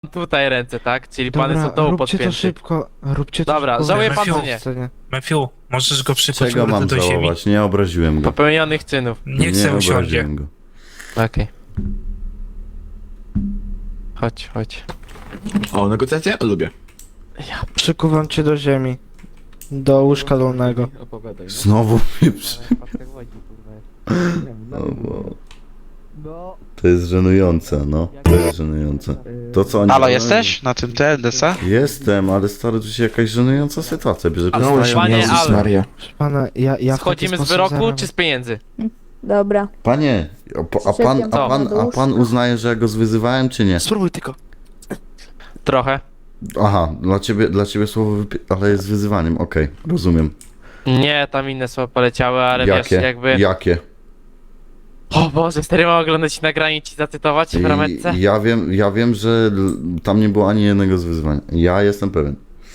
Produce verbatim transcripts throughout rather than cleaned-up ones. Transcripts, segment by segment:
tutaj ręce, tak? Czyli pan Dobra, jest od dołu róbcie to podpięty. szybko, róbcie to Dobra, szybko. żałuje pan Matthew. czy nie? Scenie. Matthew, możesz go przykuć Czego mam do ziemi? żałować? Nie obraziłem go. Popełnionych czynów. Nie chcę usiądzie. obraziłem go. Okej. Chodź, chodź. O, negocjacje? Lubię. Przykuwam cię do ziemi. Do łóżka dolnego. Znowu mnie przy... O, bo... To jest żenujące, no. To jest żenujące. To co oni Halo, robią- jesteś na tym T L D C? Jestem, ale stary, tu się jakaś żenująca sytuacja bierze. Ale Przestają- już Panie Jezus Al. Maria. Proszę pana, ja, ja w taki Schodzimy z sposób wyroku zarabiam. czy z pieniędzy? Dobra. Panie, a, po- a pan, a pan, a pan uznaje, że ja go zwyzywałem, czy nie? Spróbuj tylko. Trochę. Aha, dla ciebie, dla ciebie słowo wypi- ale jest wyzywaniem, okej, rozumiem. Nie, tam inne słowa poleciały, ale Jakie? wiesz, jakby... Jakie? O Boże, stary, mam oglądać nagranie i ci zacytować w rametce? I, ja wiem, ja wiem, że l- tam nie było ani jednego z wyzwań. Ja jestem pewien.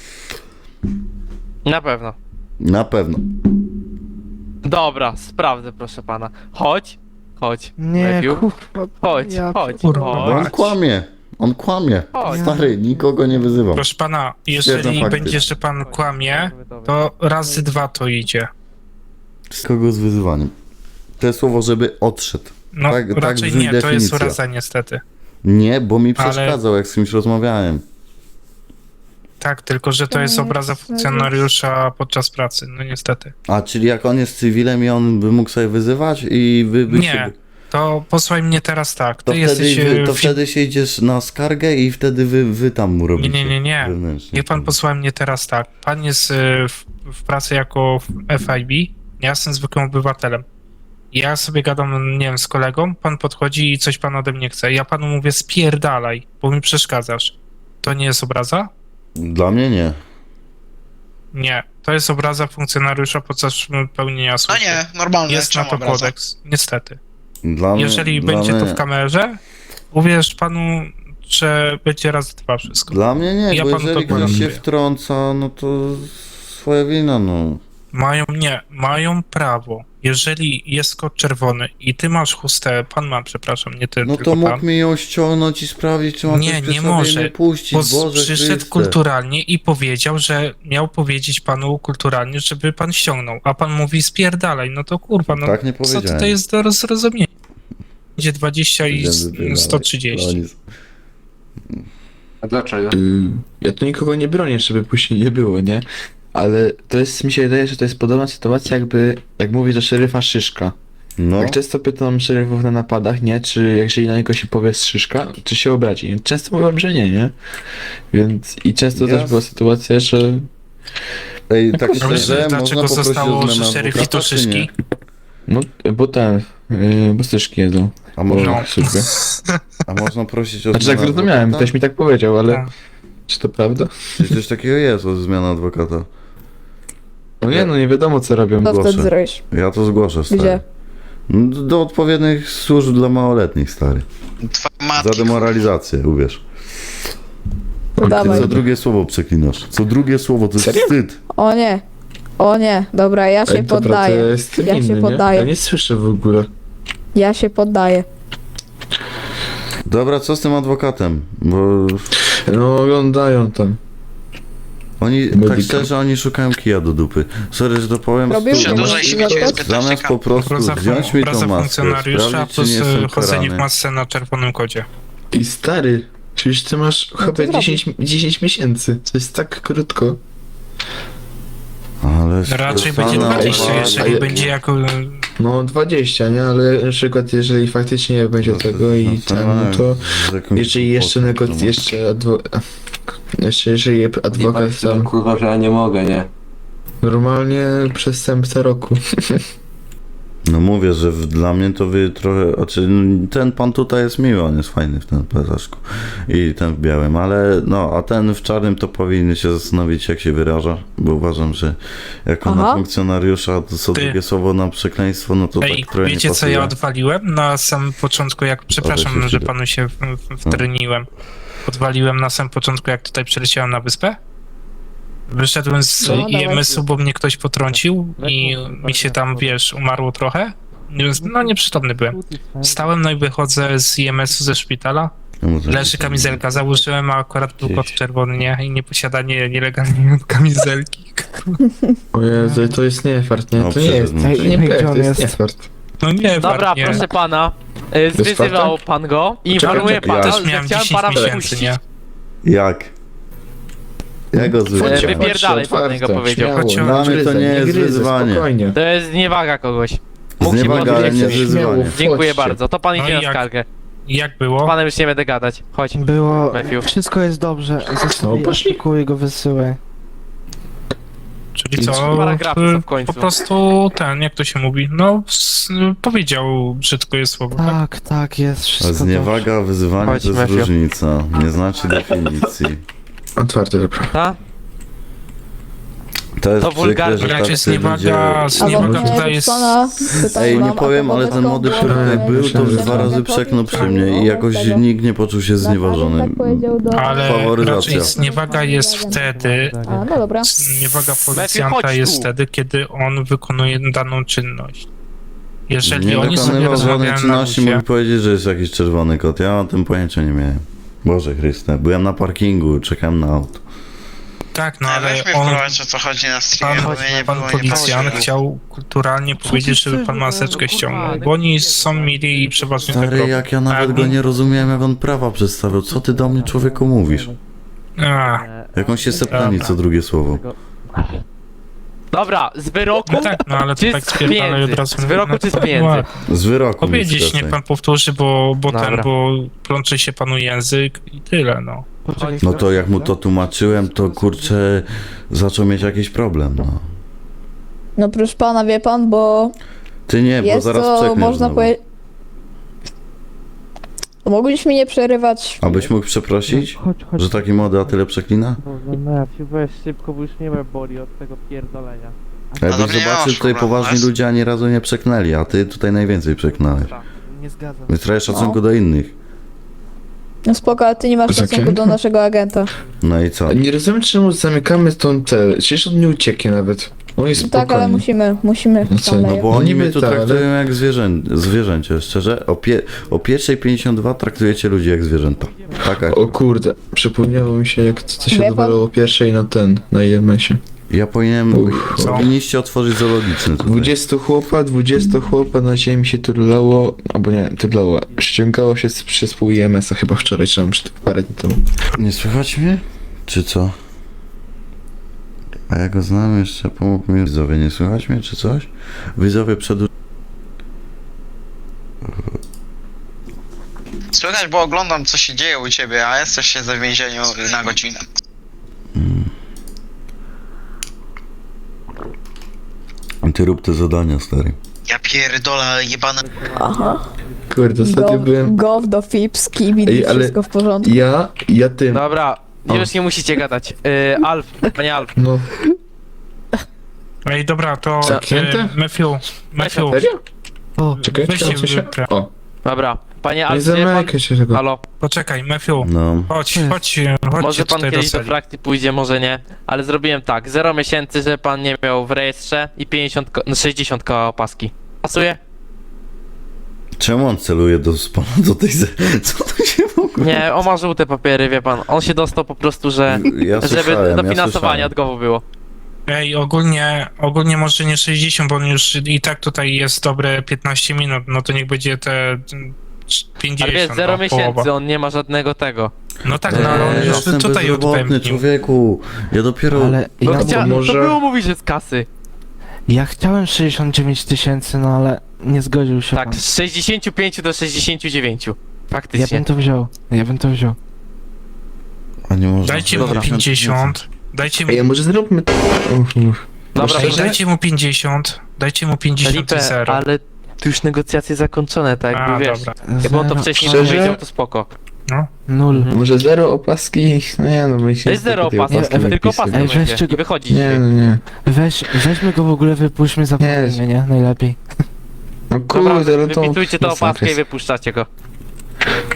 Na pewno. Na pewno. Dobra, sprawdzę, proszę pana. Chodź, chodź. Nie, Matthew. kurwa. Chodź, Ja chodź, kurwa. Bo on chodź. kłamie. On kłamie. Chodź. Stary, nikogo nie wyzywał. Proszę pana, Stwierdzam jeżeli fakty. będzie, że pan kłamie, to razy dwa to idzie. Z kogo z wyzywaniem? To jest słowo, żeby odszedł. No Tak- tak raczej brzmi nie, to jest definicja. uraza niestety. Nie, bo mi Ale- przeszkadzał, jak z kimś rozmawiałem. Tak, tylko że to jest To obraza jest- funkcjonariusza podczas pracy, no niestety. A, czyli jak on jest cywilem i on by mógł sobie wyzywać i wy by Nie, się... To posłuchaj mnie teraz tak, To, ty wtedy, jesteś... wy, e, to fi- wtedy się idziesz na skargę i wtedy wy, wy tam mu robicie. Nie, nie, nie, nie. Wewnętrznie. Niech pan posłucha mnie teraz tak. Pan jest e, w, w pracy jako F I B, ja jestem zwykłym obywatelem. Ja sobie gadam, nie wiem, z kolegą, pan podchodzi i coś pan ode mnie chce. Ja panu mówię spierdalaj, bo mi przeszkadzasz. To nie jest obraza? Dla mnie nie. Nie. To jest obraza funkcjonariusza podczas pełnienia No służby. nie, normalne, Jest na czemu to obraza? kodeks, niestety. Dla mnie, Jeżeli dla będzie mnie, to w kamerze, uwierz panu, że będzie raz dwa wszystko. Dla mnie nie, Ja bo panu to jeżeli ktoś się gwarantuję. wtrąca, no to swoja wina, no. Mają, nie, mają prawo. Jeżeli jest kod czerwony i ty masz chustę, pan ma, przepraszam, nie ty, No tylko to mógł pan, mi ją ściągnąć i sprawdzić, czy ma Nie, coś przy nie sobie może, i nie puścić, bo Boże przyszedł Chryste. kulturalnie i powiedział, że miał powiedzieć panu kulturalnie, żeby pan ściągnął, a pan mówi spierdalaj, no to kurwa, no Tak nie co powiedziałem. tutaj jest do zrozumienia? Będzie dwadzieścia i Powiedziałem, wypierdalaj. sto trzydzieści. Oni- A dlaczego? Y, ja tu nikogo nie bronię, żeby później nie było, nie? Ale to jest, mi się wydaje, że to jest podobna sytuacja, jakby, jak mówi do szeryfa Szyszka. No, Jak często pytam szeryfów na napadach, nie? Czy jeżeli na niego się powie Szyszka, czy się obrazi? Często mówią, że nie, nie? Więc i często Ja- też była sytuacja, że ej, tak A wiesz, szczerze, można dlaczego poprosić zostało, o że zmianę szeryf i adwokata, to czy nie? szyszki? no, bo ten, yy, bo Szyszki jedzą. A można, No. Szybko. a można prosić o Znaczy tak zmianę zrozumiałem, adwokata? ktoś mi tak powiedział, ale Tak. czy to prawda? Czy coś takiego jest, o zmianę adwokata? No nie, no nie wiadomo co robią. Co Zgłoszę. wtedy zrobisz? Ja to zgłoszę, stary. Gdzie? No, Do, do odpowiednich służb dla małoletnich, stary. Twoja matka. Za demoralizację, uwierz. To dawaj. Co drugie słowo przeklinasz. Co drugie słowo, to jest Serio? wstyd. O nie. O nie. Dobra, ja się Ej, dobra, to poddaję. ja jestem Ja się inny, nie? poddaję. Ja nie słyszę w ogóle. Ja się poddaję. Dobra, co z tym adwokatem? Bo No oglądają tam. oni, tak Medyka. szczerze, oni szukają kija do dupy. Sorry, że to powiem. Robił stu- Przedłużaj Zamiast- się wiecie, jest zamiast piętnaście Zamiast k. po prostu Obraza, wziąć mi tą obraza maskę, funkcjonariusza sprawdzić, czy plus nie e, jestem chodzenie w karany. masce na czerwonym kodzie. I stary, przecież ty masz to chyba zrobił. dziesięć, dziesięć miesięcy. To jest tak krótko. Ale Raczej Stefana, będzie dwadzieścia, uwaga. jeżeli ale- będzie jako... No dwadzieścia, nie? Ale na przykład jeżeli faktycznie nie będzie No to- tego i no to ten, nie, no to z jakąś jeżeli jeszcze głupotą, negoc... no. jeszcze adwo... jeszcze jeżeli Nie adwokat patrzcie, tam kurwa, że ja nie mogę, nie? normalnie przestępca roku. No mówię, że w, dla mnie to wy trochę, znaczy ten pan tutaj jest miły, on jest fajny w tym plecaszku i ten w białym, ale no, a ten w czarnym to powinny się zastanowić, jak się wyraża, bo uważam, że jako na Aha. funkcjonariusza to co Ty. drugie słowo na przekleństwo, no to Ej, tak trochę wiecie nie co ja pasuje. odwaliłem na samym początku, jak... Przepraszam, się że wstydzę. panu się w- w- wtreniłem. Odwaliłem na samym początku, jak tutaj przyleciałem na wyspę. Wyszedłem z No, dawaj. I M S-u, bo mnie ktoś potrącił i mi się tam, wiesz, umarło trochę. No nieprzytomny byłem. Wstałem, no i wychodzę z I M S-u ze szpitala. Czemu to- Leży kamizelka, założyłem, a akurat był kod czerwony, nie? I nieposiadanie nielegalnie kamizelki. O Jezu, to jest nie fart, nie? No, To nie jest, to przecież- nie Gdzie pech, on to jest jest? nie fart. No nie, Dobra, nie. proszę pana. y, Zwyzywał pan go i Czekaj, informuję czekaj, pana, ja- Też że miałem chciałem dziesięć pana miesięcy, wypuścić. nie? Jak? Ja go E, zwróciłem. wypierdalaj, pan niego powiedział. Chodź, Dla mnie to nie jest wyzwanie. Spokojnie. To jest zniewaga kogoś. Mógł się Zniewaga, ale nie podnieść. wyzwanie. Dziękuję Wchodźcie. bardzo, to pan No idzie i na jak? skargę. I jak Z było? panem już nie będę gadać. Chodź. Było... Matthew. Wszystko jest dobrze. Zostawię, poszli. kupuj go, wysyłaj. Czyli I co? paragrafy y, są w końcu. Po prostu ten, jak to się mówi? No, s- powiedział brzydko jest słowo, tak? Tak, tak, jest A wszystko dobrze. zniewaga, wyzywanie Chodź, to jest Matthew. różnica. Nie znaczy definicji. Otwarte, dobra. Ta? To jest To przykre, wulgarne. że Raczej tacy zniewaga, ludzie... zniewaga Albo tutaj nie, jest... pana, pytam Ej, wam, nie a powiem, to ale ten wobec młody, kogo który tutaj było, był, to już że dwa razy mogę przeknął powiedzieć, przy mnie i jakoś tego. nikt nie poczuł się znieważony. Tak powiedział do... Ale Faworyzacja. raczej zniewaga jest wtedy, A, no dobra. zniewaga chodź policjanta tu. jest wtedy, kiedy on wykonuje daną czynność. Jeżeli Nie oni sobie wykonywał żadnej rozmawiają na czynności, luzie, mógł powiedzieć, że jest jakiś czerwony kot. Ja o tym pojęcia nie miałem. Boże Chryste, byłem na parkingu, czekałem na auto. tak, no No, ale weź mnie on, wprowadź, o co chodzi na streamie, pan, bo mnie nie pan było, nie policjant patrzyłem. chciał kulturalnie powiedzieć, żeby pan maseczkę ściągnął, bo oni są mili i przeważnie tak Stary, robią. jak ja nawet go nie rozumiałem, jak on prawa przedstawiał. Co ty do mnie, człowieku, mówisz? A, Jak on się sepnęli co drugie słowo. Dobra, z wyroku no tak, no ale to czy tak z spierdalaj pieniędzy? od razu. Z wyroku no, czy z to pieniędzy? ładnie. Z wyroku mi Powiedzieć, skreślaj. niech pan powtórzy, bo, bo ten, Dobra. bo plącze się panu język i tyle, no. Poczekaj, No to jak mu to tłumaczyłem, to kurczę, zaczął mieć jakiś problem, no. No proszę pana, wie pan, bo Ty nie, bo jest zaraz to, przekniesz można znowu. powiedzieć... Mogliśmy nie przerywać. Abyś mógł przeprosić, Chodź, chodź. że taki młody, a tyle przeklina? Boże, Matthew, weź szybko, bo już nie ma boli od tego pierdolenia. A No jakbyś dobra, nie zobaczył, masz tutaj problemu, poważni jest? ludzie ani razu nie przeknęli, a ty tutaj najwięcej przeknąłeś. Nie zgadzam. Więc trochę szacunku No. do innych. No spoko, ale ty nie masz Poczekaj. szacunku do naszego agenta. No i co? Nie rozumiem, czemu zamykamy tą cel. Przecież on nie ucieknie nawet. On jest No spokojny. tak, ale musimy, musimy No co, tam no leje. Bo No oni niby mnie tu tak, ale- traktują jak zwierzę, zwierzęcie, szczerze. O, pie, o pierwszej pięćdziesiąt dwa traktujecie ludzi jak zwierzęta. Taka. O kurde, przypomniało mi się, jak to, to się Wie pan- odwalało pierwszej na ten, na I M S-ie. Ja powinienem, Uch, co? powinniście otworzyć zoologiczny tutaj. dwudziestu chłopa, dwudziestu chłopa na ziemi się turlało, albo nie, turlało, ściągało się z, przez pół I M S-a chyba wczoraj, czy tam przed parę dni temu. Nie słychać mnie? Czy co? A ja go znam jeszcze, pomógł mi. Widzowie, nie słychać mnie, czy coś? Widzowie przed... Słychać, bo oglądam, co się dzieje u ciebie, a jesteś się w więzieniu na godzinę. Ty rób te zadania, stary. Ja pierdolę, jebane. Aha. Kurde, ostatnio Go, byłem, go do Fips, Kibidi, Ej, ale- wszystko w porządku. ja, ja tym, Dobra, O. już nie musicie gadać. Yy, Alf, panie Alf. no, Ej, dobra, to Zamknięte? e, Matthew, Matthew, serio? O, Czekaj, Weźcie czekaj, się. wypra- O, Dobra, panie nie Alf, wie pan... zamykaj się tego. Halo, poczekaj, Matthew, No. chodź, Jest. chodź, chodźcie może pan tutaj do kiedyś do sali. frakcji pójdzie, może nie, ale zrobiłem tak, zero miesięcy, że pan nie miał w rejestrze i pięćdziesiąt, ko- no sześćdziesiąt koła opaski. Pasuje? Czemu on celuje do spana do tej... ze- Co to się w ogóle... Nie, on ma żółte papiery, wie pan. On się dostał po prostu, że... Ja Żeby słyszałem, dofinansowanie ja od GOW-u było. Ej, ogólnie, ogólnie może nie sześćdziesiąt, bo on już i tak tutaj jest dobre piętnaście minut, no to niech będzie te mm, pięćdziesiąt, Ale wiesz, zero no, miesięcy, połowa. on nie ma żadnego tego. No tak, no ale on Eee, już jestem tutaj bezrobotny, odpędził. człowieku. Ja dopiero... ale No ja, chcia... może- To było mówić, że z kasy. ja chciałem sześćdziesiąt dziewięć tysięcy, no ale nie zgodził się Tak, pan. z sześćdziesięciu pięciu do sześćdziesięciu dziewięciu. Ja Faktycznie. bym to wziął, ja bym to wziął. A nie można... Dajcie mu Dobra. pięćdziesiąt, dajcie mu, Ej, a może zróbmy... Uf, uf. Dobra, ej, szczerze? dajcie mu pięćdziesiąt, dajcie mu pięćdziesiąt i Felipe, zero. ale tu już negocjacje zakończone, tak jakby A, wiesz. dobra. Jakby on to Zero, wcześniej Szczerze? powiedział, to spoko. Nul. Mhm. Może zero opaski? No nie, no my się... To jest zero tej opaski, opaski tylko napisy. opaska Ej, będzie weźcie i go- wychodzi Nie, dzisiaj. no nie. Weź, weźmy go w ogóle, wypuśćmy za Nie. nie, nie, najlepiej. No Dobra, kurde, no to... wypisujcie tę Masakra opaskę i jest. wypuszczacie go.